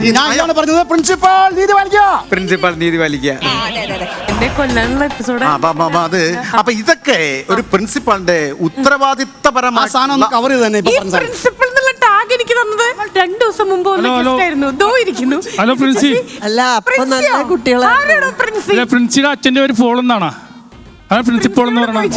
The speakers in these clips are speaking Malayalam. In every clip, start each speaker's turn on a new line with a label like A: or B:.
A: ഞാൻ പറഞ്ഞത് പ്രിൻസിപ്പൽ നീതി പാലിക്കുക.
B: എന്നെ കൊല്ലാനുള്ള എപ്പിസോഡ്.
C: അത് അപ്പൊ ഇതൊക്കെ ഒരു പ്രിൻസിപ്പാളിന്റെ ഉത്തരവാദിത്തപരമായ
A: സാധനം കവർ ചെയ്ത് തന്നെ
B: പ്രിൻസിപ്പൽ എന്നുള്ള ടാഗ് എനിക്ക് തന്നത് 2 ദിവസം മുമ്പ് ആയിരുന്നു. ഇരിക്കുന്നു.
D: ഹലോ പ്രിൻസി.
E: അല്ല അപ്പൊ നല്ല കുട്ടികളാണ്.
D: പ്രിൻസിയുടെ അച്ഛന്റെ പേര് പോൾ എന്നാണോ? പ്രിൻസിപ്പൾ എന്ന് പറഞ്ഞാൽ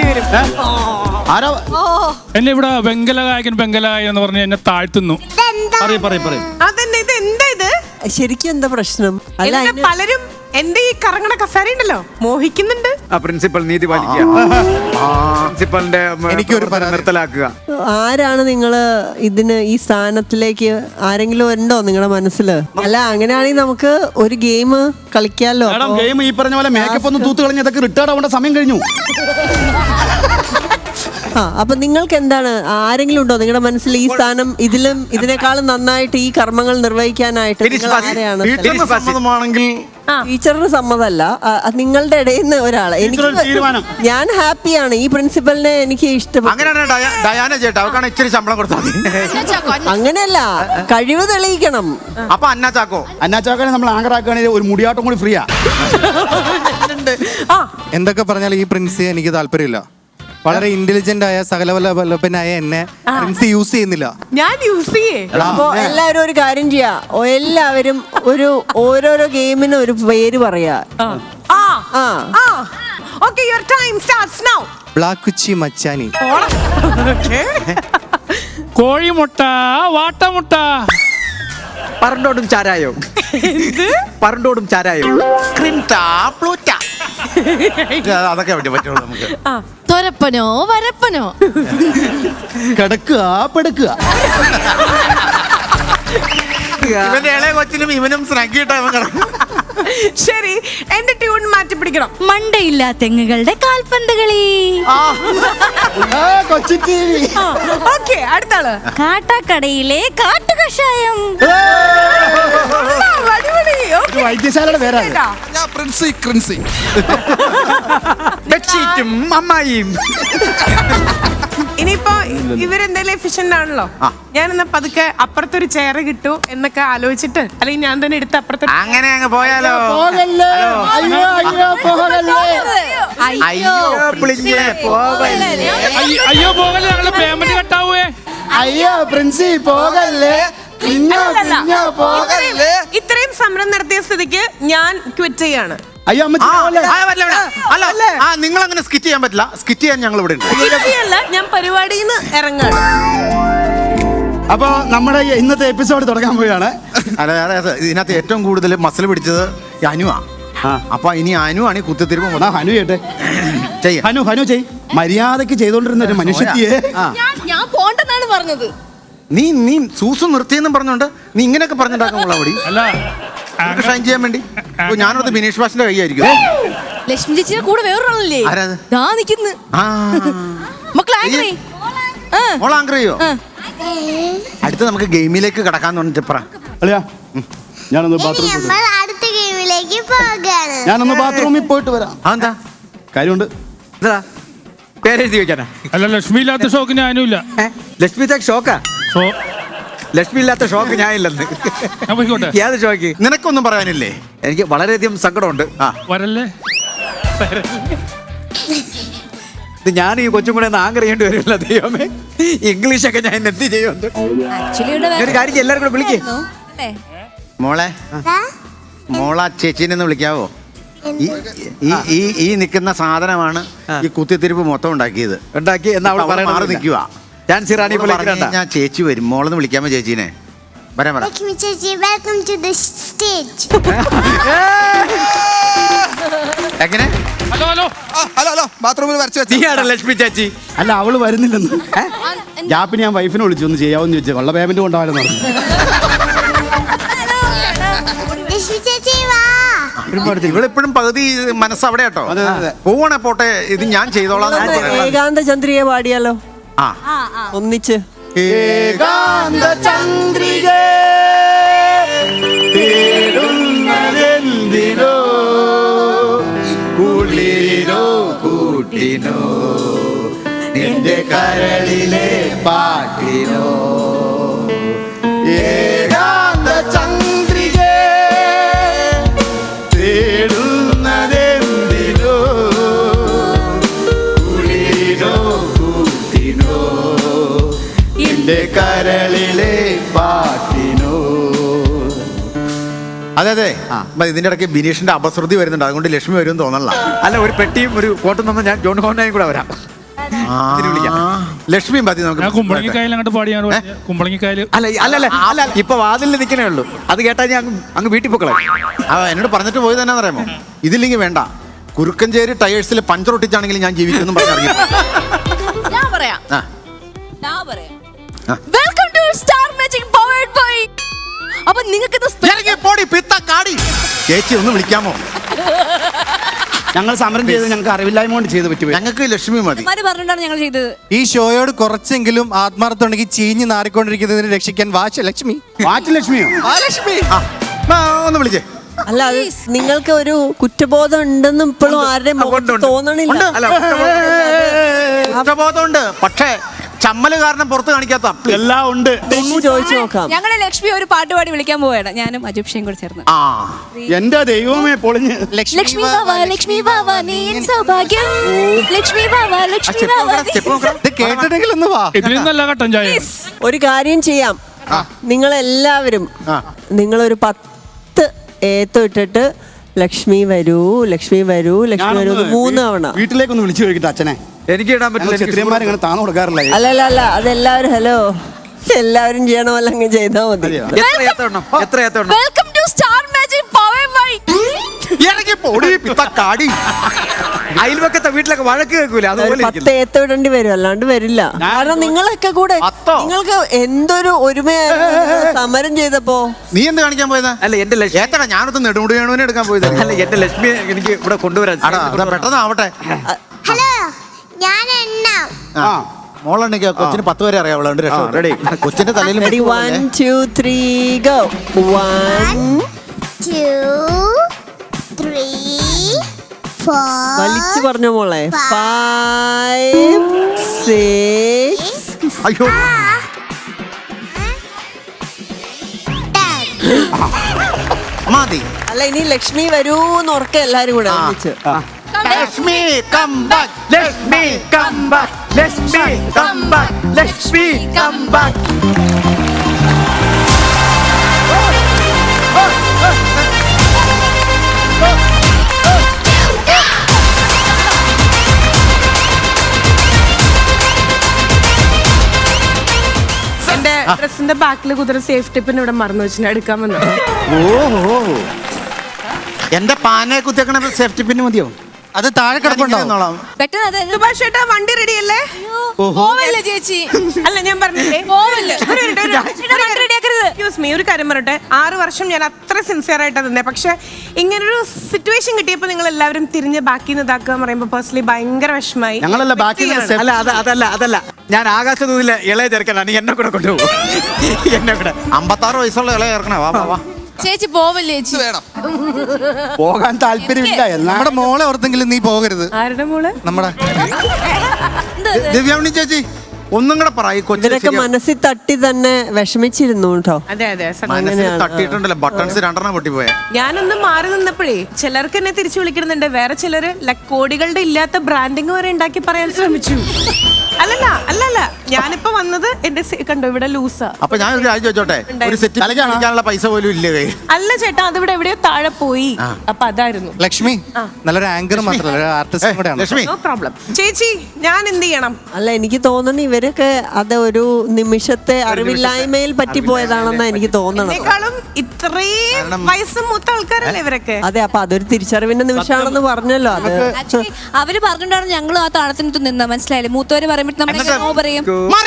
D: എന്നെ ഇവിടെ ബംഗലഗായകൻ എന്ന് പറഞ്ഞ് എന്നെ താഴ്ത്തുന്നു.
B: അതെന്നെ ഇത് എന്താ ഇത്
E: ശരിക്കും എന്താ പ്രശ്നം? അല്ല
B: പലരും എന്റെ ഈ കറങ്ങണ കസാര ഉണ്ടല്ലോ മോഹിക്കുന്നുണ്ട്.
C: പ്രിൻസിപ്പൽ നീതി പാലിക്കുക. പ്രിൻസിപ്പലിന്റെ എനിക്കൊരു നിർത്തലാക്കുക.
E: ആരാണ് നിങ്ങള് ഇതിന് ഈ സ്ഥാനത്തിലേക്ക് ആരെങ്കിലും ഉണ്ടോ നിങ്ങളുടെ മനസ്സില്? അല്ല അങ്ങനെയാണെങ്കിൽ നമുക്ക് ഒരു ഗെയിം കളിക്കാലോ.
A: ഗെയിം ഈ പറഞ്ഞ പോലെ മേക്കപ്പ് ഒന്ന് തൂത്ത് കളഞ്ഞതൊക്കെ റിട്ടയർഡ് ആവേണ്ട സമയം കഴിഞ്ഞു.
E: അപ്പൊ നിങ്ങൾക്ക് എന്താണ്, ആരെങ്കിലും ഉണ്ടോ നിങ്ങളുടെ മനസ്സിൽ ഈ സ്ഥാനം ഇതിനേക്കാളും നന്നായിട്ട് ഈ കർമ്മങ്ങൾ നിർവഹിക്കാനായിട്ട്? ആരെയാണ്? ടീച്ചറിന് സമ്മതമല്ല, നിങ്ങളുടെ ഇടയിൽ നിന്ന് ഒരാള്. എനിക്ക് ഞാൻ ഹാപ്പിയാണ്, ഈ പ്രിൻസിപ്പലിനെ എനിക്ക് ഇഷ്ടപ്പെട്ടു. അങ്ങനെയല്ല, കഴിവ് തെളിയിക്കണം.
C: അപ്പൊ
A: അന്നാച്ചാക്കോനെ നമ്മൾ ആങ്കറാക്കുകയാണെങ്കിൽ ഒരു മുടിയാട്ടം കൂടി ഫ്രീയാ.
F: എന്തൊക്കെ പറഞ്ഞാൽ ഈ പ്രിൻസി എനിക്ക് താല്പര്യമില്ല. വളരെ ഇന്റലിജന്റ് ആയ സകലവല്ലഭനായ എന്നെ പ്രിൻസി യൂസ് ചെയ്യുന്നില്ല.
B: ഞാൻ യൂസ് ചെയ്യേ.
E: അപ്പൊ എല്ലാവരും ഒരു കാര്യം ചെയ്യാ, എല്ലാവരും ഓരോരോ ഗെയിമിന് ഒരു പേര് പറയാ.
F: ബ്ലാക്ക് കുച്ചി മച്ചാനി,
D: കോഴിമുട്ട, വാട്ടമുട്ട,
C: പറണ്ടോടും ചാരായോ, പറണ്ടോടും ചാരായോ, അതൊക്കെ പറ്റുള്ളൂ നമുക്ക്.
G: തൊരപ്പനോ വരപ്പനോ,
A: കിടക്കുക പെടുക്കുക.
C: ഇവന്റെ ഇളയ കൊച്ചിനും ഇവനും സ്നഗ്ഗിട്ടാ.
B: ശരി, എന്റെ ട്യൂൺ മാറ്റി പിടിക്കണം.
G: മണ്ടയില്ല തെങ്ങുകളുടെ കാൽപന്ത് കളി.
B: ഓക്കെ, അടുത്താള്.
G: കാട്ടാക്കടയിലെ കാട്ടുകഷായം.
A: വൈദ്യശാലയുടെ പേരാണ്.
C: ബെഡ്ഷീറ്റും അമ്മായിയും.
B: ഇനിയിപ്പോ ഇവരെന്തായാലും എഫിഷ്യന്റ് ആണല്ലോ, ഞാനെന്നാ പതുക്കെ അപ്പുറത്തൊരു ചെയർ കിട്ടൂ എന്നൊക്കെ ആലോചിച്ചിട്ട്, അല്ലെങ്കിൽ ഞാൻ തന്നെ എടുത്ത് അപ്പുറത്തെ
C: അങ്ങനെ അങ്ങ് പോയാലോ.
D: അയ്യോ പോകല്ലേ, ഞങ്ങള് പേയ്മെന്റ് കട്ടാവേ.
A: അയ്യോ പ്രിൻസി പോകല്ലേ.
B: ഇത്രയും സമരം നടത്തിയ സ്ഥിതിക്ക് ഞാൻ ക്വിറ്റ് ചെയ്യാണ്.
A: അയ്യോ
C: നിങ്ങൾ അങ്ങനെ സ്കിറ്റ് ചെയ്യാൻ പറ്റില്ല. സ്കിറ്റ് ചെയ്യാൻ ഞങ്ങൾ ഇവിടെ ഉണ്ട്.
B: ഞാൻ പരിപാടിയിൽ നിന്ന് ഇറങ്ങാണ്.
A: അപ്പൊ നമ്മുടെ ഇന്നത്തെ എപ്പിസോഡ് തുടങ്ങാൻ പോവുകയാണ്.
C: അതെ, ഇതിനകത്ത് ഏറ്റവും കൂടുതൽ മസിൽ പിടിച്ചത് അനുവാ. അപ്പൊ ഇനി അനുവാണ് ഈ കുത്തിത്തിരിപ്പ്.
A: ഹനു ചെയ്യട്ടെ. ഹനു ചെയ്. മര്യാദക്ക് ചെയ്തോണ്ടിരുന്ന ഒരു മനുഷ്യത്തിയെ
G: ഞാൻ പോണ്ടെന്നാണ് പറഞ്ഞത്.
C: നീ സൂസു നിർത്തിയെന്നും പറഞ്ഞോണ്ട് നീ ഇങ്ങനെയൊക്കെ പറഞ്ഞിട്ടുണ്ടാക്കുള്ള അവിടെ ഷൈൻ ചെയ്യാൻ വേണ്ടി. ഞാനത് ബിനീഷ് ബാസിന്റെ കൈയായിരിക്കും.
G: ലക്ഷ്മി ചേച്ചിയുടെ കൂടെ വേറൊരാളല്ലേ നിക്കുന്നു.
C: മോളാങ്കറിയോ? അടുത്ത് നമുക്ക് ഗെയിമിലേക്ക് കടക്കാന്ന് പറഞ്ഞിട്ട്
A: ഞാനൊന്ന് ബാത്റൂമിൽ പോയിട്ട് വരാം.
C: അതെന്താ
A: കാര്യമുണ്ട്.
C: പേരെഴുതി വെക്കാനാ?
D: അല്ല, ലക്ഷ്മി ഇല്ലാത്ത ഷോക്ക് ഞാനും ഇല്ല.
C: ലക്ഷ്മി ഷോക്കാ? ലക്ഷ്മി ഇല്ലാത്ത ഷോക്ക് ഞാൻ ഇല്ലെന്ന്. ഏത് ഷോക്ക്? നിനക്കൊന്നും പറയാനില്ലേ? എനിക്ക് വളരെയധികം സങ്കടമുണ്ട്.
D: വരല്ലേ,
C: ഇത് ഞാൻ ഈ കൊച്ചും കൂടെ ആങ്കർ ചെയ്യേണ്ടി വരുമല്ലോ. ദൈവമേ, ഇംഗ്ലീഷൊക്കെ ഞാൻ എന്ത് ചെയ്യുന്നുണ്ട്. ഒരു കാര്യം എല്ലാവരും കൂടെ വിളിക്കേ. മോളെ ചേച്ചീനെ ഒന്ന് വിളിക്കാവോ? ഈ നിൽക്കുന്ന സാധനമാണ് ഈ കുത്തിത്തിരിപ്പ് മൊത്തം ഉണ്ടാക്കിയത്. മാറി നിൽക്കുക. ഞാൻ ചേച്ചി വരും. മോളൊന്ന് വിളിക്കാമോ ചേച്ചീനെ? വരാൻ എങ്ങനെ? ലക്ഷ്മി ചേച്ചി
A: അല്ല, അവള് വരുന്നില്ലെന്ന്. ഗ്യാപ്പിന് ഞാൻ വൈഫിനെ വിളിച്ചു ഒന്ന് ചെയ്യാവെന്ന് ചോദിച്ചു. കൊള്ള പേയ്മെന്റ് കൊണ്ടാവാനെന്ന് പറഞ്ഞു.
C: ഇവളെപ്പോഴും പകുതി മനസ്സ് അവിടെ കേട്ടോ. പോവണേ പോട്ടെ, ഇത് ഞാൻ ചെയ്തോളാം.
E: ഏകാന്ത ചന്ദ്രിക പാടിയാലോ? ഒന്നിച്ച്.
A: ഏകാന്ത ചന്ദ്രിക കുളിരോ കൂട്ടിനോ നിന്റെ കരളിലെ പാട്ടിനോ. ഏകാന്ത ചന്ദ്ര
C: അതെ അതെ ഇതിന്റെ ഇടയ്ക്ക് ബിനീഷിന്റെ അപശ്രുതി വരുന്നുണ്ട്, അതുകൊണ്ട് ലക്ഷ്മി വരും തോന്നല്ല.
H: അല്ല, ഒരു പെട്ടിയും ഒരു കോട്ടും തന്ന ഞാൻ ജോൺ ഹോണ്ടായും കൂടെ വരാം.
C: ലക്ഷ്മിയും മതി
D: ഞാൻ
C: നമുക്ക്.
D: കുമ്പളങ്ങിക്കായൽ അങ്ങോട്ട് പാടിയാണ് കുമ്പളങ്ങിക്കായൽ.
H: അല്ല ഇപ്പൊ വാതിലിൽ നിൽക്കണേ ഉള്ളൂ. അത് കേട്ടാ ഞാൻ അങ്ങ് വീട്ടിൽ പോക്കളെ.
C: എന്നോട് പറഞ്ഞിട്ട് പോയത് തന്നെ അറിയാമോ, ഇതില്ലെങ്കിൽ വേണ്ട, കുറുക്കഞ്ചേരി ടയേഴ്സിൽ പഞ്ചർ ഒട്ടിച്ചാണെങ്കിലും ഞാൻ ജീവിക്കുന്നു പറഞ്ഞിറങ്ങി.
G: ഞാൻ പറയാം. Welcome to Star Magic powered by. അപ്പൊ നിങ്ങൾക്ക്
C: ചേച്ചി ഒന്ന് വിളിക്കാമോ?
A: ഞങ്ങൾ സമരം ചെയ്ത് ഞങ്ങൾക്ക് അറിവില്ലായ്മ കൊണ്ട് ചെയ്ത് പറ്റുമോ?
C: ഞങ്ങൾക്ക് ലക്ഷ്മി മതി.
G: പറഞ്ഞിട്ടാണ് ഞങ്ങൾ ചെയ്തത്.
F: ഈ ഷോയോട് കുറച്ചെങ്കിലും ആത്മാർത്ഥം ഉണ്ടെങ്കിൽ ചീഞ്ഞ് നാറിക്കൊണ്ടിരിക്കുന്നതിന് രക്ഷിക്കാൻ ലക്ഷ്മി.
A: ലക്ഷ്മിയോ?
F: ലക്ഷ്മി
C: ഒന്ന് വിളിച്ചേ.
E: അല്ല, അത് നിങ്ങൾക്ക് ഒരു കുറ്റബോധം ഉണ്ടെന്നും ഇപ്പോഴും ആരുടെയും മുഖത്ത് തോന്നണില്ല.
C: കുറ്റബോധമുണ്ട്, പക്ഷേ ചമ്മല് കാരണം പുറത്ത് കാണിക്കാത്ത
A: എല്ലാം ഉണ്ട്.
E: ചോദിച്ചു നോക്കാം.
G: ഞങ്ങളെ ലക്ഷ്മി ഒരു പാട്ടുപാടി വിളിക്കാൻ പോവുകയാണ്, ഞാനും അജുപ്ഷയും കൂടെ ചേർന്ന്.
A: എന്റെ ദൈവമേ പൊളിഞ്ഞ്.
G: ലക്ഷ്മി വാവാ ലക്ഷ്മി വാവാ നീ എൻ സൗഭാഗ്യം. ലക്ഷ്മി വാവാ ലക്ഷ്മി വാവാ.
F: കേട്ടിട്ടെങ്കിൽ ഒന്ന് വാ.
D: ഇതിൽ നല്ല കട്ടൻ ചായ.
E: ഒരു കാര്യം ചെയ്യാം, നിങ്ങളെല്ലാവരും നിങ്ങളൊരു 10 ഏത്തം ഇട്ടിട്ട് ലക്ഷ്മി വരൂ ലക്ഷ്മി വരൂ ലക്ഷ്മി വരൂ 3 തവണ
A: വീട്ടിലേക്കൊന്ന് വിളിച്ചു ചോദിക്കട്ടെ അച്ഛനെ.
H: എനിക്ക് ഇടാൻ പറ്റില്ല.
A: ക്ഷത്രിയന്മാരിങ്ങനെ താന്നു കൊടുക്കാറില്ല.
E: അല്ല അതെല്ലാവരും ഹലോ എല്ലാവരും ചെയ്യണ പോലെ അങ്ങ് ചെയ്താൽ മതി.
H: എത്ര ഏത്തം?
G: Welcome to Star Magic powered by.
H: അയൽവക്കത്തെ വീട്ടിലൊക്കെ വഴക്ക് കേൾക്കൂല, അതുപോലെ
E: 10 ഏത്തം ഇടേണ്ടി വരും, അല്ലാണ്ട് വരില്ല. കാരണം നിങ്ങളൊക്കെ കൂടെ നിങ്ങൾക്ക് എന്തൊരു ഒരുമയായിരുന്നു സമരം ചെയ്തപ്പോ.
C: നീ എന്ത് കാണിക്കാൻ പോയതാ?
H: അല്ല എന്റെ ലക്ഷ്മി
C: ഏത്തടാ, ഞാനൊന്ന് നെടുമുടിയാണുവിനെ എടുക്കാൻ പോയത്.
H: അല്ല എന്റെ ലക്ഷ്മി എനിക്ക് ഇവിടെ കൊണ്ടുവരാൻ.
C: പെട്ടെന്ന് ആവട്ടെ.
I: ഹലോ, ഞാൻ എണ്ണാം.
C: മോളുണ്ടെങ്കിൽ കൊച്ചിന് 10 വരെ അറിയാവുള്ളൂ. റെഡി? കൊച്ചിന്റെ തലയിൽ
E: 1 2 3 go. 1
I: 2 3 4
E: വലിച്ചു പറഞ്ഞ മോളെ. 5 6
C: അയ്യോ
I: 10.
C: മതി.
E: അല്ല, ഇനി ലക്ഷ്മി വരൂന്ന് ഉറക്കെ എല്ലാരും കൂടെ ഒന്നിച്ച്.
C: Lakshmi come back, Lakshmi come back, Lakshmi come back, Lakshmi come back.
B: എന്റെ ഡ്രസ്സിന്റെ ബാക്കിൽ കുതിര സേഫ്റ്റി പിൻ ഇവിടെ മറന്നു വെച്ചിട്ട് എടുക്കാൻ വന്നു.
C: ഓഹോ, എന്റെ പാനെ കുത്തിയേക്കണ സേഫ്റ്റി പിന്നെ മതിയോ?
F: അത് താഴെ കിടപ്പുണ്ടാവും.
G: പെട്ടെന്ന് അത്
B: സുഭാഷ് ചേട്ടാ, വണ്ടി റെഡി അല്ലേ?
G: പോവല്ലേ ചേച്ചി?
B: അല്ല, ഞാൻ പറഞ്ഞില്ലേ
G: പോവല്ലേ?
B: എക്സ്ക്യൂസ് മീ, ഒരു കാര്യം പറയട്ടെ. 6 വർഷം ഞാൻ അത്ര സിൻസിയർ ആയിട്ട് നിന്നേ, പക്ഷെ ഇങ്ങനൊരു സിറ്റുവേഷൻ കിട്ടിയപ്പോൾ നിങ്ങൾ എല്ലാവരും തിരിഞ്ഞ് ബാക്കി ഇതാക്കുക പറയുമ്പോൾ പേഴ്സണലി ഭയങ്കര വിഷമായി.
A: ഞങ്ങളല്ല ബാക്കി.
H: അതല്ല ഞാൻ ആകാശദൂതിലെ ഇളയ ചെറുക്കനാണ്, എന്നെ കൂടെ കൊണ്ടുപോകും. എന്നെ കൂടെ
C: 56 വയസ്സുള്ള ഇളയ ചേർക്കണേ. വാ.
G: ചേച്ചി പോവല്ലേ ചേച്ചി?
A: പോകാൻ താല്പര്യമില്ല.
F: നമ്മുടെ മോളെ ഓർത്തെങ്കിലും നീ പോകരുത്.
B: ആരുടെ മോള്?
F: നമ്മുടെ
C: ദിവ്യാമണി ചേച്ചി ഒന്നും കൂടെ പറ.
E: ഇവരൊക്കെ മനസ്സിൽ തട്ടി തന്നെ വിഷമിച്ചിരുന്നു കേട്ടോ.
B: അതെ
C: തട്ടിയിട്ടുണ്ടല്ലോ, ബട്ടൺസ് 2 പൊട്ടിപ്പോയ.
B: ഞാനൊന്ന് മാറി നിന്നപ്പോഴേ ചിലർക്ക് എന്നെ തിരിച്ചു വിളിക്കുന്നുണ്ട്, വേറെ ചിലര് കോടികളുടെ ഇല്ലാത്ത ബ്രാൻഡിങ് വരെ ഉണ്ടാക്കി പറയാൻ ശ്രമിച്ചു. അല്ലല്ല ഞാനിപ്പോ വന്നത് എന്റെ കണ്ടോ ഇവിടെ ലൂസാ.
C: അപ്പൊ ഞാൻ ഒരു കാര്യം ചോദിച്ചോട്ടെ, ഒരു സെറ്റ് കളിക്കാനുള്ള പൈസ പോലും ഇല്ലേ?
B: അല്ല ചേട്ടാ, അതിവിടെ എവിടെയോ താഴെ പോയി. അപ്പൊ അതായിരുന്നു.
F: ലക്ഷ്മി നല്ലൊരു ആങ്കർ മാത്രമല്ല, ആർട്ടിസ്റ്റും കൂടെയാണ്.
C: Lakshmi,
B: no problem. ചേച്ചി, ഞാൻ എന്ത് ചെയ്യണം?
E: അല്ല, എനിക്ക് തോന്നുന്നു ഇവരൊക്കെ അത് ഒരു നിമിഷത്തെ അറിവില്ലായ്മയിൽ പറ്റിപ്പോയതാണെന്നാ എനിക്ക് തോന്നണം.
B: എന്നെക്കാളും ഇത്രയും വയസ്സ് മൂത്ത ആൾക്കാരല്ലേ ഇവരൊക്കെ?
E: അതെ, അപ്പൊ അതൊരു തിരിച്ചറിവിന്റെ നിമിഷമാണെന്ന് പറഞ്ഞല്ലോ. അത്
G: ആക്ച്വലി അവര് പറഞ്ഞിട്ടാണ് ഞങ്ങളും ആ താളത്തിനകത്ത് നിന്ന്. മനസ്സിലായില്ലേ? മൂത്തവര് പറയുമ്പോൾ നമ്മൾ പറയും.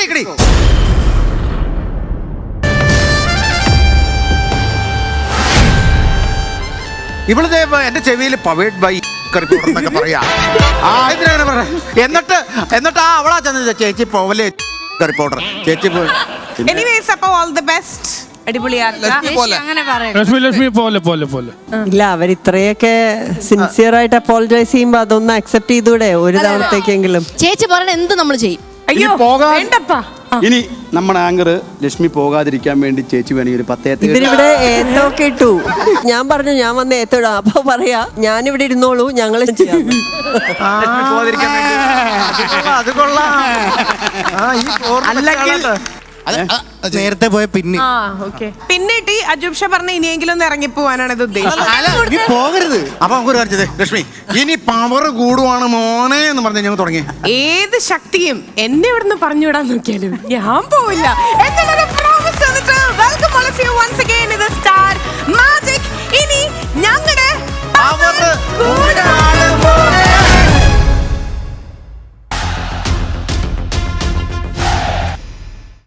C: ഇവള് എന്റെ ചെവിയിൽ പവേഡ് ബൈ എന്നൊക്കെ പറയാ. എന്നിട്ട് അവളാ ചെന്ന് ചേച്ചി പോവല്ലേ റിപ്പോർട്ടർ ചേച്ചി.
B: എനിവേസ്, അപ്പോൾ ഓൾ ദി ബെസ്റ്റ്.
G: അങ്ങനെ പറയാം.
D: ലക്ഷ്മി പോലെ.
E: ഇല്ല, അവർ ഇത്രയൊക്കെ സിൻസിയർ ആയിട്ട് അപ്പോളജൈസ് ചെയ്യുമ്പോ അതൊന്ന് അക്സെപ്റ്റ് ചെയ്തൂടെ ഒരു തവണത്തേക്കെങ്കിലും.
G: ചേച്ചി പറഞ്ഞ എന്ത് നമ്മൾ ചെയ്യും.
B: അയ്യോ വേണ്ടപ്പാ.
A: ഇനി നമ്മുടെ ആങ്കർ ലക്ഷ്മി പോകാതിരിക്കാൻ വേണ്ടി ചേച്ചി വേണമെങ്കിൽ ഒരു 10 ഏത്തം.
E: ഇവരിവിടെ ഏത്തൊക്കെ ഇട്ടു. ഞാൻ പറഞ്ഞു ഞാൻ വന്ന് ഏത്തോടാ. അപ്പൊ പറയാ ഞാനിവിടെ ഇരുന്നോളൂ, ഞങ്ങൾ ചെയ്യാം.
C: അത് കൊള്ളാം.
F: നേരത്തെ പോയ പിന്നെ
B: ആ ഓക്കെ പിന്നെ ടി അജൂബ് ഷാ പറഞ്ഞ ഇനിയെങ്കിലും ഒന്ന് ഇറങ്ങിപ്പോവാനാണ് ഇത് ഉദ്ദേശിച്ചത്.
F: നീ പോകരുത്.
C: അപ്പൊ നമുക്ക് ഒരു കാര്യം ചെയ്തേ, ലക്ഷ്മി ഇനി പവർ കൂടുവാണ് മോനെ എന്ന് പറഞ്ഞ് ഞങ്ങൾ തുടങ്ങി.
B: ഏത് ശക്തിയും എന്നെ ഇവിടുന്ന് പറഞ്ഞുവിടാൻ നോക്കിയാലും ഞാൻ പോവില്ല. എന്നുള്ള promise തന്നിട്ട് welcome all of you once again